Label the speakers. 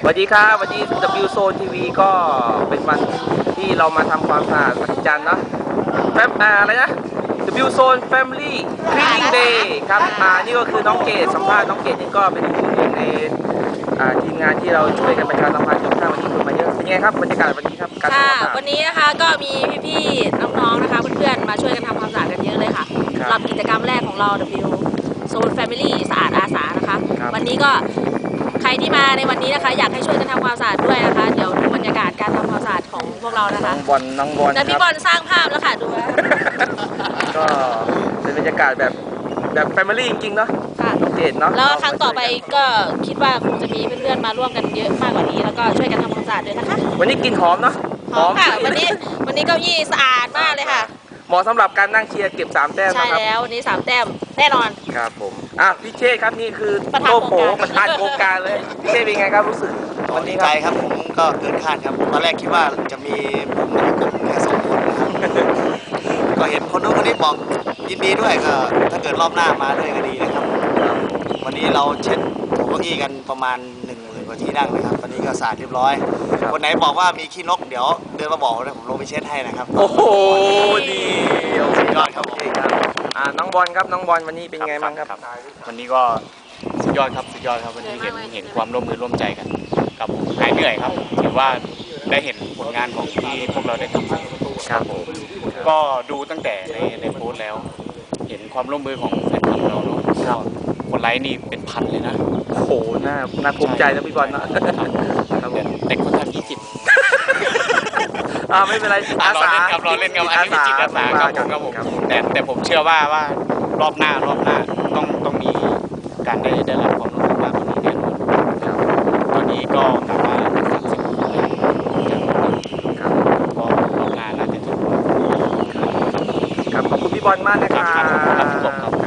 Speaker 1: สวัสดีครับวันนี้ W Zone TV ก็เป็นวันที่เรามาทำความสะอาดวันจันทร์เนาะอะไรนะ W Zone Family Cleaning Day ครับนี่ก็คือน้องเกดสัมภาษณ์น้องเกดนี่ก็เป็นหนึ่งในทีมงานที่เราช่วยกันประชาสัมพันธ์จนถ้าวันนี้คนมาเยอะเป็นไงครับบรรยากาศวันนี้ครับการทำความสะอาด
Speaker 2: วันนี้นะคะก็มีพี่ๆน้องๆนะคะเพื่อนๆมาช่วยกันทำความสะอาดกันเยอะเลยค่ะสำหรับกิจกรรมแรกของเรา W Zone Family สะอาดอาสานะคะวันนี้ก็ใครที่มาในวันนี้นะคะอยากให้ช่วยกันทำความสะอาดด้วยนะคะเดี๋ยวดูบรรยากาศการทำความสะอาดของพวกเรานะคะ
Speaker 1: น้องบอล
Speaker 2: แต่พี่บอลสร้างภาพแล้วค่ะดูว่า
Speaker 1: ก็เป็นบรรยากาศแบบแฟมิลี่จริงๆเนาะน้องเกดเนาะ
Speaker 2: แล้วครั้งต่อไปก็คิดว่าคงจะมีเพื่อนๆมาร่วมกันเยอะมากกว่านี้แล้วก็ช่วยกันทำความสะอาดด้วยนะคะ
Speaker 1: วันนี้กลิ่นหอมเนาะ
Speaker 2: หอมค่ะวันนี้เก้าอี้สะอาดมากเลยค่ะ
Speaker 1: เหมาะสำหรับการนั่งเชียร์เก็บ3 แต้ม
Speaker 2: นะครับใช่แล้ววันนี้3 แต้มแน่นอน
Speaker 1: ครับผมพี่เชษครับนี่คือโลโก้ประธานโครงการเลยพี่เชษเป็นไงครับรู้สึก
Speaker 3: วันนี้ใจครับผมก็เกินคาดครับตอนแรกคิดว่าจะมีผมกับพี่กบแค่2 คนนะครับก็เห็นคนนู้นคนนี้บอกยินดีด้วยก็ถ้าเกิดรอบหน้ามาด้วยก็ดีนะครับวันนี้เราเช็ดเก้าอี้กันประมาณ10,000 กว่าที่นั่งนะครับวันนี้ก็สะอาดเรียบร้อยคนไหนบอกว่ามีขี้นกเดี๋ยวเดินมาบอกนะผมลงไปเช็ดให้นะครับ
Speaker 1: โอ้โหดี
Speaker 3: สุดยอดครับ
Speaker 1: น้องบอลครับน้องบอลวันนี้เป็นไงบ้างครับ
Speaker 4: วันนี้ก็สุดยอดครับวันนี้เห็นความร่วมมือร่วมใจกันกับหายเหนื่อยครับถือว่าได้เห็นผลงานของที่พวกเราได้ทำ
Speaker 1: ครับผม
Speaker 4: ก็ดูตั้งแต่ในโพสต์แล้วเห็นความร่วมมือของแฟนทีมเราเนาะคนไลค์นี่เป็นพันเลยนะ
Speaker 1: โอ้โหน่าภูมิใจนะพี่บอลนะครับผม
Speaker 4: แต่คนทำ20
Speaker 1: ไม่เป็นไรอาสา
Speaker 4: เราเล่นกับอันนี้จิตอาสาครับผมแต่ผมเชื่อว่ารอบหน้าต้องมีการได้รับความร่วมมือมากกว่านี้แน่นอนตอนนี้ก็กลับมา30 คนแล้วก็รอบหน้าน่าจะถึง
Speaker 1: ครับขอบคุณพี่บอลมากนะครับ